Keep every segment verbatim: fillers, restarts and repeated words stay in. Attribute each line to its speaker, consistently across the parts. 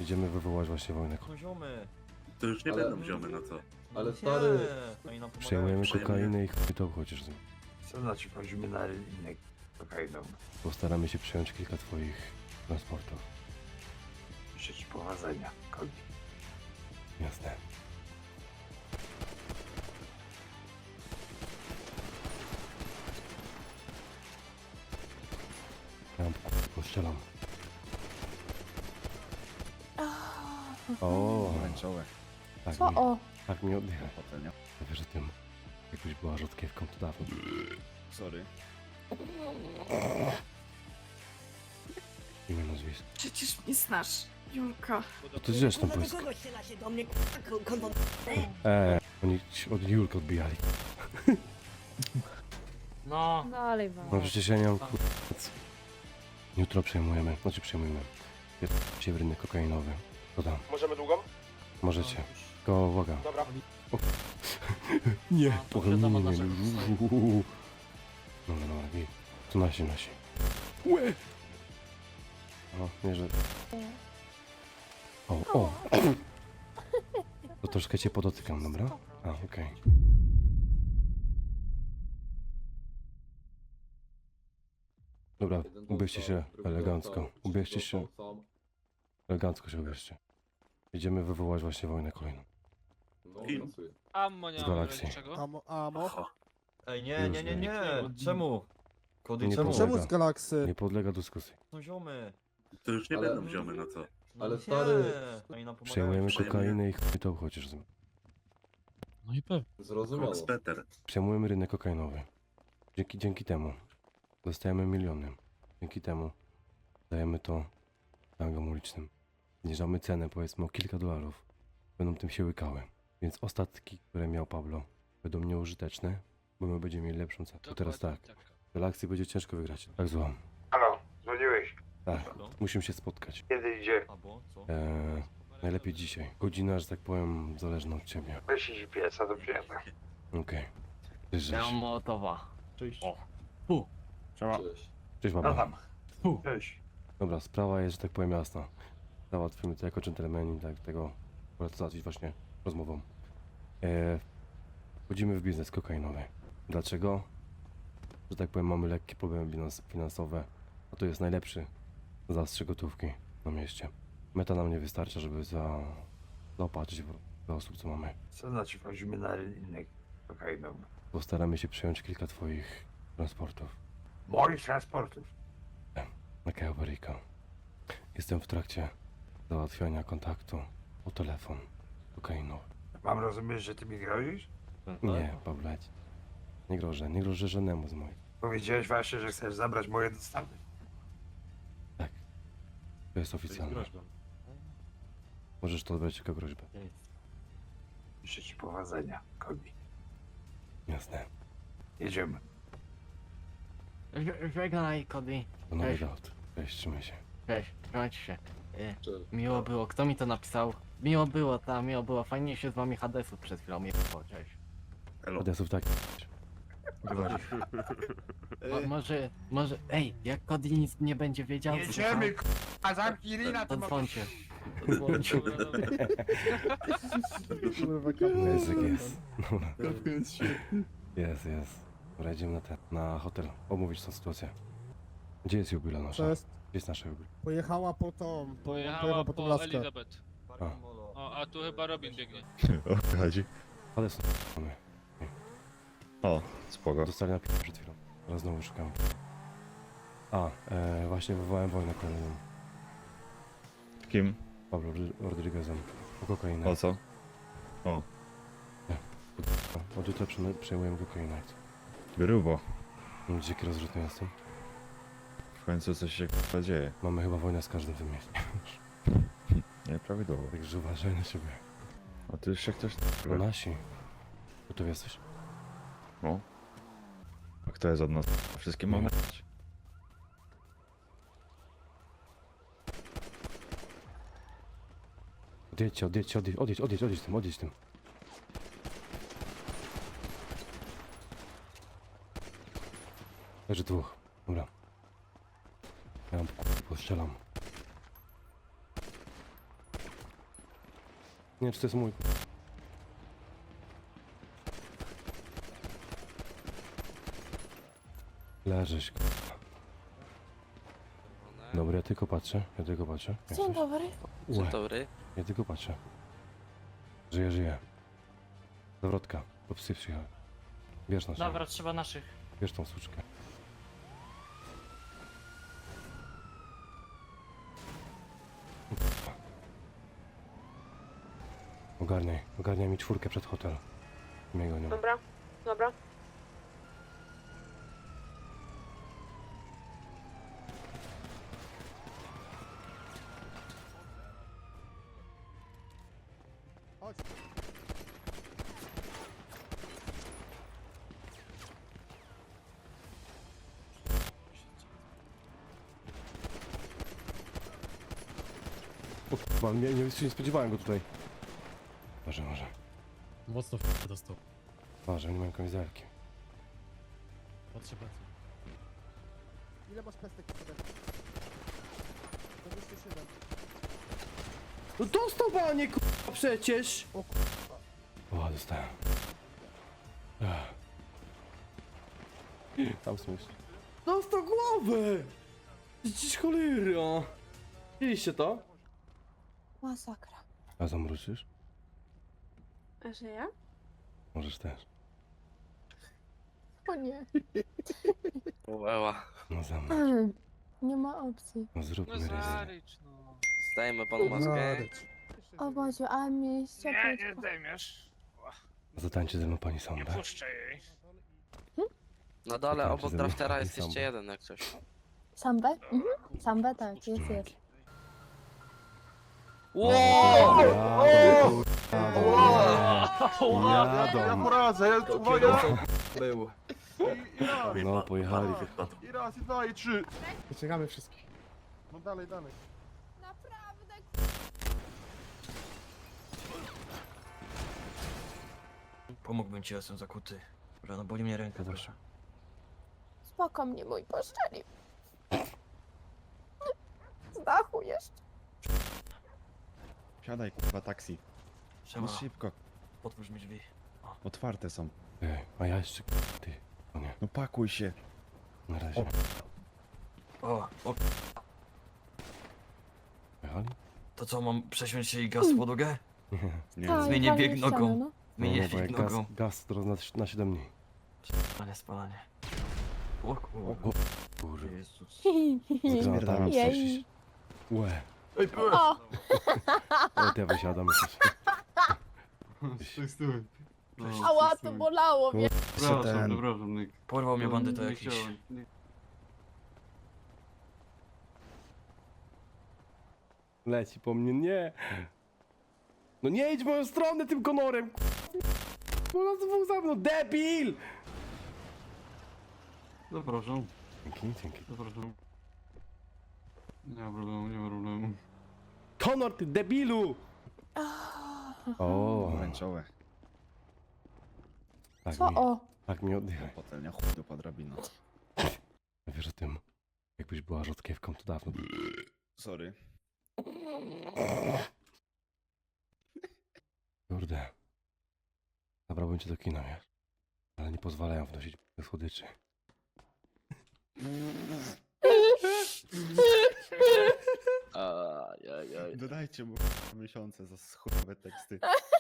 Speaker 1: Idziemy wywołać właśnie wojnę.
Speaker 2: No ziomy.
Speaker 3: To już nie
Speaker 4: Ale-
Speaker 3: będą ziomy, no co?
Speaker 4: Ale
Speaker 2: Nie.
Speaker 4: stary-
Speaker 2: Oni nam pomagają.
Speaker 1: Przejmujemy
Speaker 3: Przejmujemy.
Speaker 1: kokainę i chuj to chociaż.
Speaker 5: Co znaczy wchodzimy na rynek kokainą?
Speaker 1: Postaramy się przejąć kilka twoich transportów.
Speaker 5: Życzę ci powodzenia, Kobi.
Speaker 1: Jasne. Ja postrzelam. O,
Speaker 6: Pomarańczowe.
Speaker 1: tak
Speaker 7: Co
Speaker 1: mi,
Speaker 7: o?
Speaker 1: tak mi oddycha.
Speaker 6: Potem, nie?
Speaker 1: Wiesz, że tym jakbyś była rzodkiewką to dawno.
Speaker 6: Sorry.
Speaker 1: Imię, nazwisko.
Speaker 7: Przecież mnie znasz, Julka.
Speaker 1: No to zresztą
Speaker 8: Kurwa, do
Speaker 1: błysk.
Speaker 8: kogo strzela się do mnie, kurwa, kondo...
Speaker 1: Eee, oni ci od Julka odbijali.
Speaker 2: No.
Speaker 7: Dalej wam.
Speaker 1: No przecież ja nie mam kur... Jutro przejmujemy, znaczy przejmujemy. Się w rynek kokainowy. To tam.
Speaker 9: Możemy długą?
Speaker 1: Możecie. Tylko uwaga.
Speaker 9: Dobra.
Speaker 1: Nie.
Speaker 2: to
Speaker 1: Och, nie, nie,
Speaker 2: wiadomo,
Speaker 1: nie,
Speaker 2: nasze-
Speaker 1: nie. Dobra, dobra, git. To nasi, nasi. Łe! O, nie, że... O, o! To troszkę cię podotykam, dobra? A, okej. Dobra, ubierzcie się elegancko. Ubierzcie się, elegancko się ubierzcie. Idziemy wywołać właśnie wojnę kolejną.
Speaker 4: No,
Speaker 3: Kim?
Speaker 4: pracuję.
Speaker 10: Ammo nie
Speaker 1: Z
Speaker 10: mamy
Speaker 1: galakcji.
Speaker 10: niczego.
Speaker 11: Amo, amo.
Speaker 3: Oho.
Speaker 2: Ej, nie, nie, nie, nie. Czemu? Kody,
Speaker 1: Nie
Speaker 2: czemu?
Speaker 1: podlega.
Speaker 11: Czemu z galaksy?
Speaker 1: Nie podlega dyskusji.
Speaker 2: No ziomy.
Speaker 3: To już nie
Speaker 4: Ale-
Speaker 3: będą ziomy, no co?
Speaker 2: No
Speaker 4: Ale
Speaker 2: nie.
Speaker 4: stary-
Speaker 2: Oni nam pomagają.
Speaker 1: Przejmujemy
Speaker 3: Przejmujemy.
Speaker 1: kokainę i chuj to chociaż.
Speaker 10: No i pewnie.
Speaker 4: Zrozumiało.
Speaker 3: Fox Peter.
Speaker 1: Przejmujemy rynek kokainowy. Dzięki, dzięki temu dostajemy miliony. Dzięki temu dajemy to gangom ulicznym. Zniżamy cenę powiedzmy o kilka dolarów. Będą tym się łykały. Więc ostatki, które miał Pablo, będą nieużyteczne, bo my będziemy mieli lepszą cenę. To teraz tak. W relakcji będzie ciężko wygrać. Tak złam.
Speaker 5: Halo, dzwoniłeś?
Speaker 1: Tak.
Speaker 2: No.
Speaker 1: Musimy się spotkać.
Speaker 5: Kiedy idzie?
Speaker 2: Albo co?
Speaker 1: Eee, najlepiej dzisiaj. Godzina, że tak powiem, zależna od ciebie.
Speaker 5: Weź G P S-a do przyjemna.
Speaker 1: Okej. Cześć,
Speaker 2: Ja
Speaker 1: Rześ.
Speaker 2: mam Mołotowa. Cześć. O.
Speaker 4: Cześć.
Speaker 1: Cześć,
Speaker 5: No
Speaker 1: baba.
Speaker 5: tam. Cześć.
Speaker 1: Dobra, sprawa jest, że tak powiem, jasna. Załatwimy to jako dżentelmeni, tak, tego wolę to załatwić właśnie rozmową. E, wchodzimy w biznes kokainowy. Dlaczego? Że tak powiem, mamy lekkie problemy bilans- finansowe, a to jest najlepszy zastrzyk gotówki na mieście. Meta nam nie wystarcza, żeby za, zaopatrzyć w- dla osób, co mamy.
Speaker 5: Co znaczy wchodzimy na rynek kokainą?
Speaker 1: Postaramy się przejąć kilka twoich transportów
Speaker 5: Moich transportów.
Speaker 1: na Cayo Perico. Jestem w trakcie załatwiania kontaktu o telefon kokainowy.
Speaker 5: Mam rozumieć, że ty mi grozisz?
Speaker 1: Nie, Pawleć. Nie grożę, nie grożę żadnemu z moich.
Speaker 5: Powiedziałeś właśnie, że chcesz zabrać moje dostawy.
Speaker 1: To jest oficjalne. Możesz to odbrać jako groźbę.
Speaker 5: Życzę ci powodzenia, Kobi.
Speaker 1: Jasne.
Speaker 5: Jedziemy.
Speaker 2: Żegnaj, Kody.
Speaker 1: To nowy
Speaker 2: Cześć.
Speaker 1: dowód. Cześć, trzymaj się.
Speaker 2: Cześć, trzymajcie się. E,
Speaker 4: Cześć.
Speaker 2: Miło było. Kto mi to napisał? Miło było, ta, miło było. Fajnie się z wami Hadesów przed chwilą miło. Cześć.
Speaker 3: Elo.
Speaker 1: Adresów tak.
Speaker 2: Mo, może, może, ej, jak Cody nic nie będzie wiedział, to-
Speaker 5: Jedziemy, k***a, zamknij ryna,
Speaker 2: to
Speaker 5: to
Speaker 2: dzwońcie. Dzwońcie.
Speaker 11: Kurwa, kamerę.
Speaker 1: Język jest. Dobra. Jest, jest. Dobra, idziemy na ten, na hotel. Omówić tą sytuację. Gdzie jest Jubila nasza?
Speaker 11: To jest,
Speaker 1: Gdzie jest nasza Jubila?
Speaker 11: pojechała po tą,
Speaker 10: Pojechała
Speaker 11: po tą
Speaker 10: po
Speaker 11: laskę.
Speaker 10: Elizabeth.
Speaker 1: A.
Speaker 10: O, a tu chyba Robin biegnie.
Speaker 6: O co chodzi?
Speaker 1: Ale są mamy.
Speaker 6: O, spoko.
Speaker 1: Dostali na p- przed chwilą. Teraz znowu szukamy. A, e, właśnie wywołałem wojnę kolejną.
Speaker 6: Kim?
Speaker 1: Pablo Rodry- Rodriguezem. O kokainę.
Speaker 6: O co?
Speaker 1: Od jutra przejmujemy- przejmujemy kokainę.
Speaker 6: Grubo.
Speaker 1: Dziki rozrzutny jestem.
Speaker 6: W końcu coś się k***a dzieje.
Speaker 1: Mamy chyba wojnę z każdym w tym mieście.
Speaker 6: Nieprawidłowo.
Speaker 1: Także uważaj na siebie.
Speaker 6: A ty jeszcze ktoś...
Speaker 1: No nasi. Gotowy jesteś?
Speaker 6: No. A kto jest od nas? Wszystkie mamy.
Speaker 1: Odjedźcie, odjedźcie, odjedź, odjedź, odjedź, odjedź tym, odjedź tym. Leży dwóch. Dobra. Ja mam k***, postrzelam. Nie, czy to jest mój. Leżysz. Dobra, ja tylko patrzę, ja tylko patrzę. Jak
Speaker 7: Dzień
Speaker 1: coś?
Speaker 7: dobry.
Speaker 1: Łe,
Speaker 8: dobry.
Speaker 1: ja tylko patrzę. Żyję, żyję. Zawrotka, bo psy przyjechały. Bierz naszą,
Speaker 10: Dobra, trzeba naszych.
Speaker 1: bierz tą suczkę. Ogarniaj, ogarniaj mi czwórkę przed hotel. Mnie gonią.
Speaker 7: Dobra, dobra.
Speaker 11: Chodź.
Speaker 1: O kurwa, nie, nie, nie spodziewałem go tutaj. Może, może.
Speaker 10: Mocno f*** dostał.
Speaker 1: Może, nie mają kamizelki.
Speaker 10: Patrzę, patrzę.
Speaker 11: Ile masz pestek w sobie? dwadzieścia siedem.
Speaker 9: No dostał panie k***a przecież!
Speaker 1: O, dostałem. Ech. Tam smysł.
Speaker 9: Dostał głowę! Przecież cholera! Widzieliście to?
Speaker 7: Masakra.
Speaker 1: A zamruczysz?
Speaker 7: A że ja?
Speaker 1: Możesz też.
Speaker 7: O nie.
Speaker 3: Uła.
Speaker 1: No za mną.
Speaker 7: Nie ma opcji.
Speaker 1: No zróbmy ryzy.
Speaker 10: no.
Speaker 3: Zdajemy panu maskę.
Speaker 7: O Boże, ale mnie jest ciepło.
Speaker 5: zdejmiesz.
Speaker 1: Zatańczy ze mną pani Sąbę.
Speaker 5: jej.
Speaker 3: Na dole
Speaker 1: Tam
Speaker 3: obok
Speaker 1: się
Speaker 3: draftera
Speaker 1: zamyka
Speaker 3: jest
Speaker 1: i
Speaker 3: jeszcze
Speaker 1: samba.
Speaker 3: jeden jak coś.
Speaker 7: Sambę? Mhm. Sambę, tak, jest, jest.
Speaker 3: Wow!
Speaker 1: Jadą, jadą, jadą.
Speaker 5: poradzę, ja uwaga!
Speaker 9: Był.
Speaker 1: No, pojechali.
Speaker 5: I raz, i dwa, i trzy.
Speaker 11: Wyciągamy wszystkich. No dalej, dalej.
Speaker 7: Naprawdę.
Speaker 8: Pomógłbym ci, jestem zakuty. Rano boli mnie ręka, proszę.
Speaker 7: Spoko mnie mój poszczeli. Z dachu jeszcze.
Speaker 6: Siadaj, kurwa, taksi.
Speaker 8: Siema,
Speaker 6: No szybko.
Speaker 8: otwórz mi drzwi.
Speaker 6: Otwarte są.
Speaker 1: Ej, a ja jeszcze... Ty. O nie,
Speaker 6: No pakuj się.
Speaker 1: na razie.
Speaker 8: O, o,
Speaker 1: Pojechali?
Speaker 8: to co, mam prześmieć się i gaz w podłogę?
Speaker 6: Nie.
Speaker 7: Tak,
Speaker 8: Zmienię
Speaker 7: walnie
Speaker 8: bieg
Speaker 7: w ścianę,
Speaker 8: nogą.
Speaker 7: no.
Speaker 1: No,
Speaker 8: Zmienię
Speaker 1: no, bo jak
Speaker 8: bieg
Speaker 1: gaz,
Speaker 8: nogą.
Speaker 1: gaz to na, na siedem dni.
Speaker 8: Spalanie, spalanie. O
Speaker 1: O,
Speaker 8: kurwa.
Speaker 1: o, kurwa.
Speaker 8: Jezus.
Speaker 1: Z granatami
Speaker 6: Spierdalam
Speaker 1: coś. Łe.
Speaker 7: O!
Speaker 1: O, ja wysiadam już.
Speaker 5: Stój, stój.
Speaker 7: Ała, to bolało mnie.
Speaker 6: Ten...
Speaker 5: przepraszam, Nick.
Speaker 8: Porwał mnie bandyta
Speaker 5: Nie
Speaker 8: jakiś.
Speaker 5: chciałem. Nie-
Speaker 1: Leci po mnie, nie. No nie idź w moją stronę tym konorem. Bo nas dwóch za mną, debil!
Speaker 5: Zapraszam,
Speaker 1: Dzięki, dzięki.
Speaker 5: zapraszam. Nie ma problemu, nie ma problemu.
Speaker 1: Konor, ty debilu! O,
Speaker 6: Pomarańczowe.
Speaker 1: tak
Speaker 7: Co
Speaker 1: mi,
Speaker 7: o?
Speaker 1: tak mi oddychaj.
Speaker 6: Potelnia chuj do drabina.
Speaker 1: Wiesz o tym, jakbyś była rzodkiewką, to dawno.
Speaker 6: Sorry.
Speaker 1: Kurde. Zabrałbym cię do kina, wiesz? Ale nie pozwalają wnosić słodyczy.
Speaker 3: Ajajaj.
Speaker 6: Dodajcie mu miesiące za chujowe teksty.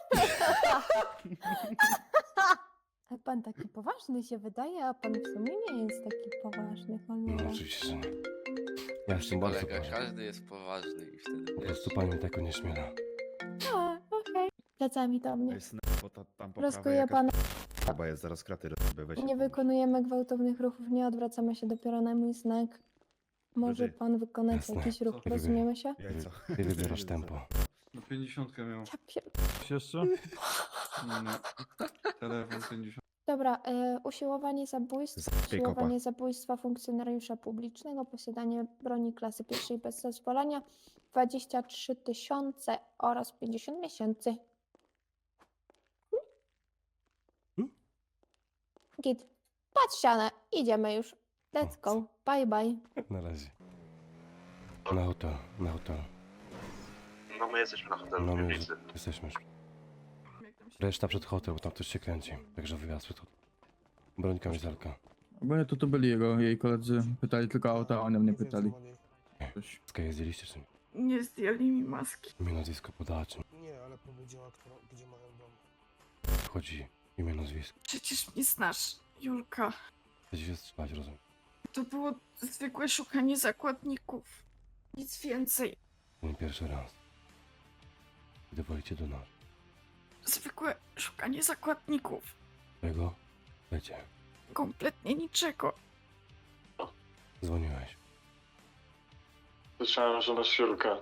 Speaker 7: A pan taki poważny się wydaje, a pan w sumie nie jest taki poważny,
Speaker 1: No
Speaker 7: cholera.
Speaker 1: oczywiście, że nie. Ja jestem bardzo
Speaker 3: Kolega,
Speaker 1: poważny.
Speaker 3: każdy jest poważny i wtedy
Speaker 1: Po
Speaker 3: wiesz.
Speaker 1: prostu pani mnie tego nie śmiela.
Speaker 7: A, okej. Plecami do
Speaker 6: To
Speaker 7: mnie.
Speaker 6: jest bo ta, tam po prawej
Speaker 7: Rozkuję
Speaker 6: jakaś
Speaker 7: pana.
Speaker 6: chyba jest, zaraz kraty rozbę, weź.
Speaker 7: Nie wykonujemy gwałtownych ruchów, nie odwracamy się dopiero na mój znak. Może
Speaker 6: Rudy.
Speaker 7: pan wykonać
Speaker 1: Jasne.
Speaker 7: jakiś ruch,
Speaker 1: Rudy.
Speaker 7: rozumiemy się?
Speaker 6: Jajco.
Speaker 1: Ty wybierasz tempo.
Speaker 5: Na pięćdziesiątkę miał.
Speaker 7: Ja pier...
Speaker 5: Jeszcze? Nie. Telefon pięćdziesiąt.
Speaker 7: Dobra, e, usiłowanie zabójstwa,
Speaker 6: Zabij kopa.
Speaker 7: usiłowanie zabójstwa funkcjonariusza publicznego, posiadanie broni klasy pierwszej bez zezwolenia, dwadzieścia trzy tysiące oraz pięćdziesiąt miesięcy.
Speaker 1: Hmm?
Speaker 7: Git. Patrz ścianę, idziemy już. Let's go. Bye bye.
Speaker 1: Na razie. Na hotel, na hotel.
Speaker 3: No my jesteśmy na hotelu
Speaker 1: No
Speaker 3: w
Speaker 1: my już
Speaker 3: piwnicy.
Speaker 1: jesteśmy już. Reszta przed hotel, bo tam ktoś się kręci. Także wyjazd przed hotel. Broń kamizelka.
Speaker 5: Bo to tu byli jego, jej koledzy. Pytali tylko o auta, a oni mnie pytali.
Speaker 1: Skaje zdjęliście czy nie?
Speaker 12: Nie zdjęli mi maski.
Speaker 1: Imię, nazwisko podaczy.
Speaker 11: Nie, ale powiedziała, kto, gdzie mają dom.
Speaker 1: Chodzi imię, nazwisko.
Speaker 12: Przecież mnie znasz, Julka.
Speaker 1: Chcecie się strzelać, rozumiem.
Speaker 12: To było zwykłe szukanie zakładników. Nic więcej.
Speaker 1: To nie pierwszy raz. Gdy wolicie do nas.
Speaker 12: Zwykłe szukanie zakładników.
Speaker 1: Czego? Lecie.
Speaker 12: Kompletnie niczego.
Speaker 1: Dzwoniłeś.
Speaker 5: Słyszałem, że masz Julkę.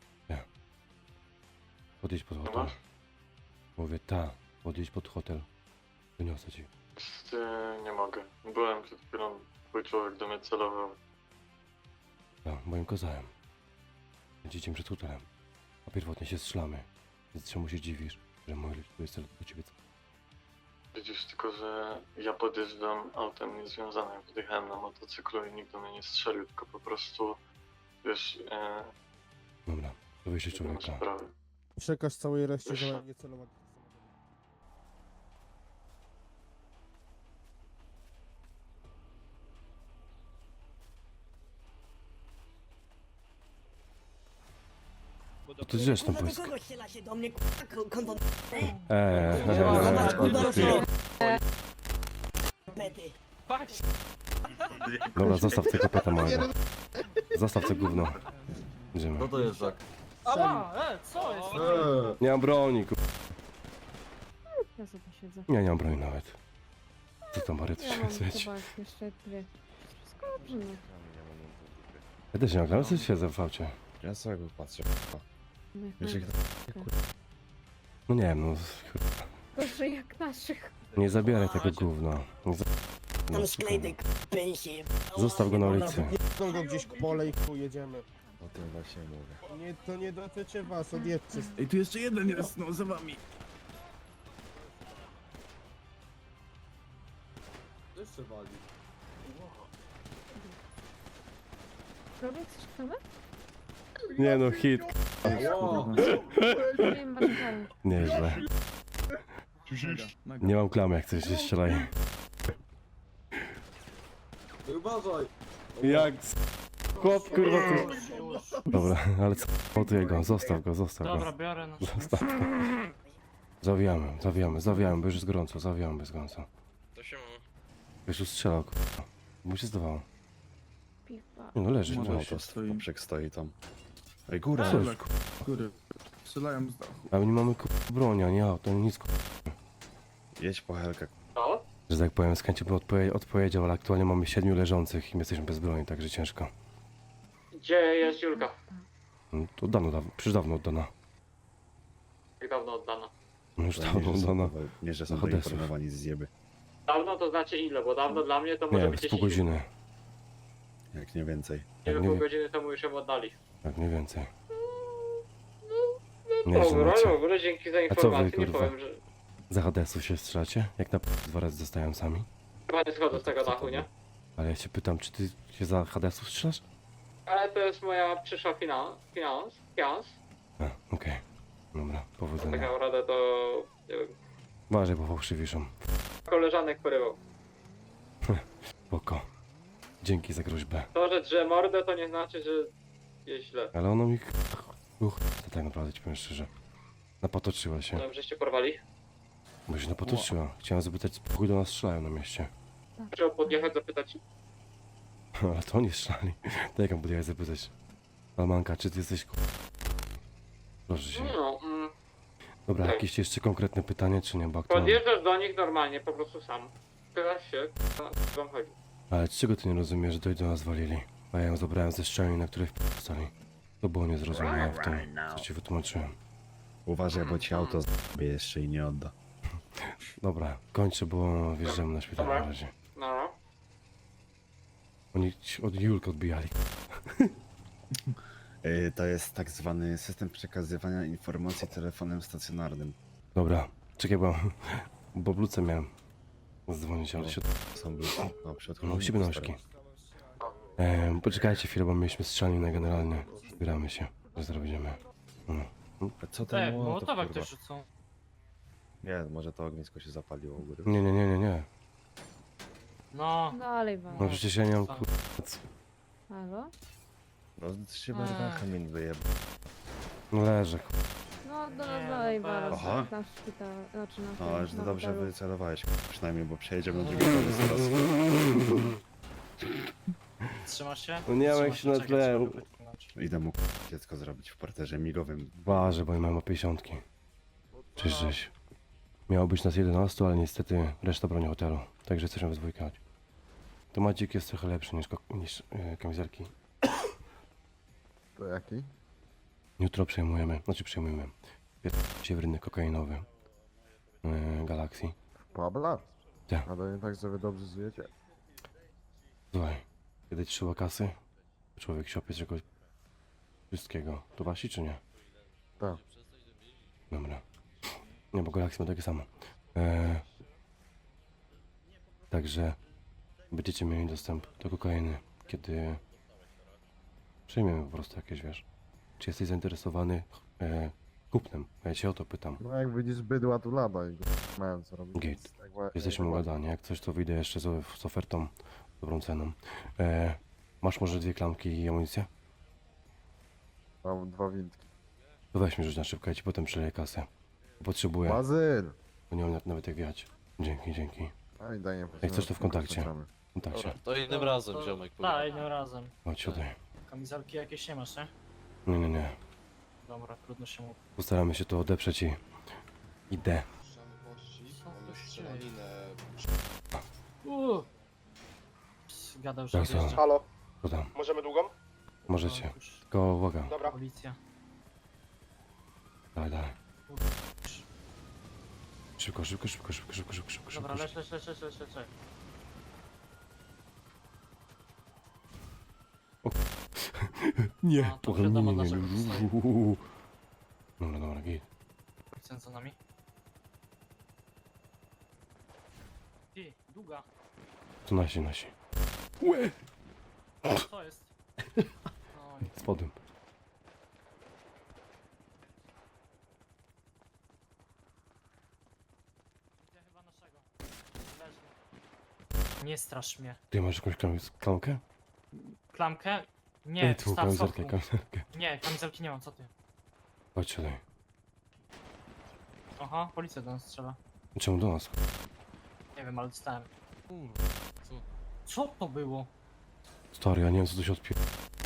Speaker 1: Podjedź pod hotel. Mówię, ta. Podjedź pod hotel. Wyniosę ci.
Speaker 5: Nie mogę. Byłem przed chwilą, twój człowiek do mnie celował.
Speaker 1: Ja, moim kozałem. Będziecie przed hotelem. A pierwotnie się strzelamy. Więc czemu się dziwisz, że mój lud jest do ciebie?
Speaker 5: Widzisz, tylko że ja podjeżdżam autem niezwiązanym, wjechałem na motocyklu i nikt do mnie nie strzelił, tylko po prostu, wiesz, e,
Speaker 1: Dobra, to wyjście
Speaker 5: nie ma
Speaker 1: człowieka.
Speaker 5: sprawy.
Speaker 11: Przekaż całej reszcie, że mają nie celować.
Speaker 1: To ty zresztą
Speaker 12: No
Speaker 1: błysk.
Speaker 12: strzelacie do mnie, konto...
Speaker 1: Eee, eee, eee. Dobra, zostaw tego peta małego. Zostaw to gówno. Idziemy.
Speaker 8: Co to jest za...
Speaker 10: Ała, e, co jest?
Speaker 1: Nie mam broni, ku...
Speaker 7: Ja sobie siedzę.
Speaker 1: Nie, nie mam broni nawet. Co tam, Mary, ty
Speaker 7: Ja
Speaker 1: się
Speaker 7: mam
Speaker 1: świeci?
Speaker 7: chyba jeszcze dwie. Wszystko dobrze, no.
Speaker 1: Ja też nie mam, ale coś siedzę w aucie.
Speaker 6: Ja sobie go patrzę.
Speaker 7: No jak
Speaker 6: Wiesz, jak
Speaker 7: na-
Speaker 1: No nie wiem, no...
Speaker 7: Gorzej jak naszych.
Speaker 1: Nie zabieraj tego gówna. Nie za... no, spokojnie. Zostaw go na ulicy.
Speaker 11: Chcą go gdzieś k- pole i chuj, jedziemy.
Speaker 6: O tym właśnie mówię.
Speaker 11: Nie, to nie dotyczy was, odjedźcie.
Speaker 5: Ej, tu jeszcze jeden jest, no, za wami.
Speaker 4: Jeszcze wali.
Speaker 7: Robię coś kawę?
Speaker 1: Nie no, hit.
Speaker 7: Nie wiem, wasze kary.
Speaker 1: Nieźle. Nie mam klamy, jak coś się strzelaj.
Speaker 4: Ej, uważaj!
Speaker 1: Jak s- chłop, kurwa, tu... Dobra, ale co? Montuję go, zostaw go, zostaw
Speaker 10: Dobra,
Speaker 1: go.
Speaker 10: biorę na
Speaker 1: Zostaw go. Zawijamy, zawijamy, zawijamy, bo już jest gorąco, zawijamy, bez gorąco.
Speaker 3: To się ma.
Speaker 1: Już tu strzelał, kurwa. Mu się zdawało.
Speaker 7: Piwa.
Speaker 1: Nie no, leży,
Speaker 5: Może
Speaker 1: leży.
Speaker 5: się stoi.
Speaker 6: Poprzek stoi tam. Ej, góra!
Speaker 1: Co?
Speaker 5: Ale góry. Strzelają z dachu.
Speaker 1: Ale nie mamy kurwa broni, ani auto, ani nic, kurwa.
Speaker 6: Jedź po helkę.
Speaker 1: Że tak powiem, z chęcią bym odpowie odpowiedział, ale aktualnie mamy siedmiu leżących i my jesteśmy bez broni, także ciężko.
Speaker 10: Gdzie jest Julka?
Speaker 1: No, to dawno, dawno, przecież dawno oddana.
Speaker 10: Jak dawno oddana?
Speaker 1: No już
Speaker 6: To
Speaker 1: dawno
Speaker 6: nie, że są,
Speaker 1: oddana.
Speaker 6: nie, że są
Speaker 1: Chodesów.
Speaker 6: doinformowani z zjeby.
Speaker 10: Dawno to znaczy ile? Bo dawno dla mnie to może
Speaker 1: Nie,
Speaker 10: być
Speaker 1: z pół
Speaker 10: dziesięć
Speaker 1: godziny.
Speaker 6: Jak nie więcej.
Speaker 1: Jak
Speaker 10: Nie
Speaker 1: nie,
Speaker 10: pół
Speaker 1: wie-
Speaker 10: godziny temu już ją oddali.
Speaker 1: jak nie więcej.
Speaker 10: No
Speaker 1: Nieźle
Speaker 10: dobra,
Speaker 1: macie.
Speaker 10: dobra, dzięki za
Speaker 1: A co wy,
Speaker 10: informację. Nie
Speaker 1: kurwa?
Speaker 10: powiem, że
Speaker 1: Za H D S-ów się strzelacie? Jak na p- dwa razy zostają sami?
Speaker 10: chyba nie schodzę z tego
Speaker 1: Co to
Speaker 10: dachu, nie?
Speaker 1: było? Ale ja się pytam, czy ty się za H D S-ów strzelasz?
Speaker 10: Ale to jest moja przyszła finans, finans, finans.
Speaker 1: A, okej. Dobra,
Speaker 10: Tak
Speaker 1: powodzenia.
Speaker 10: naprawdę to, nie wiem,
Speaker 1: Uważaj, bo fałszywiszą.
Speaker 10: koleżanek porywał.
Speaker 1: Spoko. Dzięki za groźbę.
Speaker 10: To, że drze mordę, to nie znaczy, że jest źle.
Speaker 1: Ale ono mi... Uch, to tak naprawdę ci powiem szczerze. Napatoczyła się.
Speaker 10: No, żeście porwali?
Speaker 1: Bo się napatoczyła. Chciałem zapytać, spokój do nas strzelają na mieście.
Speaker 10: Trzeba podjechać, zapytać.
Speaker 1: Ale to oni strzelali. To jak mam podjechać zapytać? Almanka, czy ty jesteś ku... Proszę się.
Speaker 10: No, mm,
Speaker 1: Dobra,
Speaker 10: tak.
Speaker 1: jakieś jeszcze konkretne pytanie, czy nie? Bo aktualnie...
Speaker 10: podjeżdżasz do nich normalnie, po prostu sam. Pytasz się, co wam chodzi.
Speaker 1: Ale czego ty nie rozumiesz, że to do nas walili? A ja ją zabrałem ze szczelin, na której wstali. To było niezrozumiałe w tym, co ci wytłumaczyłem.
Speaker 6: Uważaj, bo ci auto zbie jeszcze i nie odda.
Speaker 1: Dobra, kończę, bo wjeżdżamy na szpital na razie.
Speaker 10: No,
Speaker 1: Oni ci od Julka odbijali.
Speaker 6: Yy, to jest tak zwany system przekazywania informacji telefonem stacjonarnym.
Speaker 1: Dobra, czekaj, bo... Bo bluce miałem zadzwonić, ale się...
Speaker 6: Są ludzie. No, przy
Speaker 1: No, u siebie nóżki. Ehm, poczekajcie chwilę, bo mieliśmy strzelanina generalnie. Zbieramy się, że zrobimy. No.
Speaker 6: Co ten
Speaker 10: Tak,
Speaker 6: Mołotow, kurwa?
Speaker 10: rzucą.
Speaker 6: Nie, może to ognisko się zapaliło u góry.
Speaker 1: Nie, nie, nie, nie, nie.
Speaker 2: No,
Speaker 7: Dalej wam.
Speaker 1: No przecież ja nie mam kur...
Speaker 7: Halo?
Speaker 6: No się barwa kamień wyjeb.
Speaker 1: No leżę.
Speaker 7: No, do,
Speaker 2: Nie,
Speaker 7: dalej
Speaker 2: no
Speaker 7: wam.
Speaker 2: bez-
Speaker 6: Aha.
Speaker 7: Na szpital, znaczy na
Speaker 6: No,
Speaker 7: tym,
Speaker 6: ale że
Speaker 7: na
Speaker 6: dobrze
Speaker 7: hotelu.
Speaker 6: wycelowałeś przynajmniej, bo przejedziemy na drugi koniec teraz.
Speaker 2: trzymasz się?
Speaker 1: No nie wiem jak się na tle...
Speaker 6: Idę mu dziecko zrobić w parterze migowym.
Speaker 1: Ważę, bo nie mam pięćdziesiątki. Czyżeś. Miało być nas jedenastu, ale niestety reszta broni hotelu. Także jesteśmy w dwójkę. To Macik jest trochę lepszy niż, ko- niż e, kamizelki.
Speaker 6: To jaki?
Speaker 1: Jutro przejmujemy, znaczy przejmujemy. Pierwszy rynek kokainowy. E, Galaxii.
Speaker 6: Pabla?
Speaker 1: Tak.
Speaker 6: Ale nie tak, że wy dobrze żyjecie.
Speaker 1: Słuchaj, kiedy trzeba kasy, człowiek się opie czegoś wszystkiego. To wasi czy nie?
Speaker 6: Tak.
Speaker 1: Dobra. Nie, bo Galaxy ma takie samo. E, także będziecie mieli dostęp do kokainy, kiedy przyjmiemy po prostu jakieś, wiesz. Czy jesteś zainteresowany e, kupnem? Ja cię o to pytam.
Speaker 6: No jak widzisz bydła tu lada i mają co robić.
Speaker 1: Git. Jesteśmy ugadani. Jak coś, to wyjdę jeszcze z, z ofertą, dobrą ceną. E, masz może dwie klamki i amunicję?
Speaker 6: Mam dwa windki.
Speaker 1: To weź mi rzuć na szybko, ja ci potem przeleję kasę. Potrzebuję,
Speaker 6: Bazyl!
Speaker 1: bo nie mam nawet jak wjechać. Dzięki, dzięki.
Speaker 6: A i daj nie
Speaker 1: Jak coś, to w kontakcie. W kontakcie.
Speaker 3: To innym razem, ziomek.
Speaker 2: Tak, innym razem.
Speaker 1: Chodź tutaj.
Speaker 2: Kamizelki jakieś nie masz, nie?
Speaker 1: Nie, nie, nie.
Speaker 2: Dobra, trudno się mówi.
Speaker 1: Postaramy się to odeprzeć i... Idę.
Speaker 2: Uuu. Ps, Gadał, że
Speaker 1: Tak,
Speaker 2: odjeżdża.
Speaker 1: słucham.
Speaker 11: Halo,
Speaker 1: Co tam?
Speaker 11: możemy długą?
Speaker 1: Możecie.
Speaker 2: O, już
Speaker 1: Tylko uwaga.
Speaker 11: Dobra.
Speaker 2: Policja.
Speaker 1: Daj, daj. Szybko, szybko, szybko, szybko, szybko, szybko, szybko,
Speaker 2: Dobra,
Speaker 1: szybko.
Speaker 2: lecz, lecz, lecz, lecz, lecz, lecz.
Speaker 1: Nie,
Speaker 2: No, to
Speaker 1: trochę nie,
Speaker 2: wiadomo,
Speaker 1: nie, nie,
Speaker 2: dlaczego
Speaker 1: nie.
Speaker 2: zostaje.
Speaker 1: Uuu. Dobra, dobra, git.
Speaker 2: Policjant za nami. Ty, długa.
Speaker 1: Tu nasi, nasi. Łe!
Speaker 2: Co jest? Oj,
Speaker 1: Spodem.
Speaker 2: widzę chyba naszego. Leży. Nie strasz mnie.
Speaker 1: Ty masz jakąś klam- klamkę?
Speaker 2: Klamkę? Nie,
Speaker 1: Ej, tu
Speaker 2: wstaw
Speaker 1: kamizelkę,
Speaker 2: sopku.
Speaker 1: kamizelkę.
Speaker 2: Nie, kamizelki nie mam, co ty?
Speaker 1: Chodź tutaj.
Speaker 2: Aha, policja do nas strzela.
Speaker 1: Czemu do nas?
Speaker 2: Nie wiem, ale dostałem. Co to było?
Speaker 1: Stary, ja nie wiem co tu się odpier...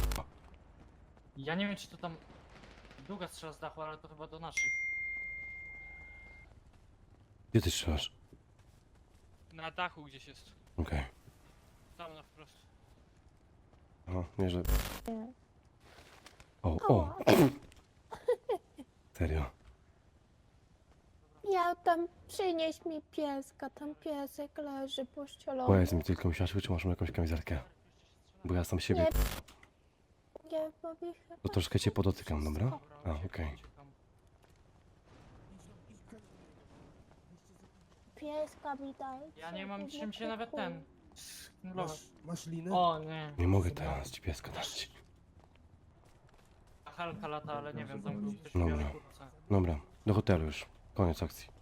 Speaker 2: Ja nie wiem, czy to tam długa strzela z dachu, ale to chyba do naszych.
Speaker 1: Gdzie ty strzelasz?
Speaker 10: Na dachu gdzieś jest.
Speaker 1: Okej.
Speaker 10: Tam na wprost.
Speaker 1: Aha, nie, że...
Speaker 7: Nie.
Speaker 1: O, o! Serio.
Speaker 7: Ja tam, przynieś mi pieska, tam piesek leży pościelony.
Speaker 1: Powiedz mi tylko, musiałaś czy masz jakąś kamizelkę? Bo ja sam siebie...
Speaker 7: Nie, nie powiem.
Speaker 1: To troszkę cię podotykam, dobra? A, okej.
Speaker 7: Pieska mi daj.
Speaker 2: Ja nie mam czym się nawet ten... sknulować.
Speaker 11: Masz, masz linę?
Speaker 2: O nie.
Speaker 1: Nie mogę teraz ci pieska dać.
Speaker 2: Halka lata, ale nie wiem, tam był ktoś
Speaker 1: Dobra.
Speaker 2: w białej kurtce.
Speaker 1: Dobra, do hotelu już. Koniec akcji.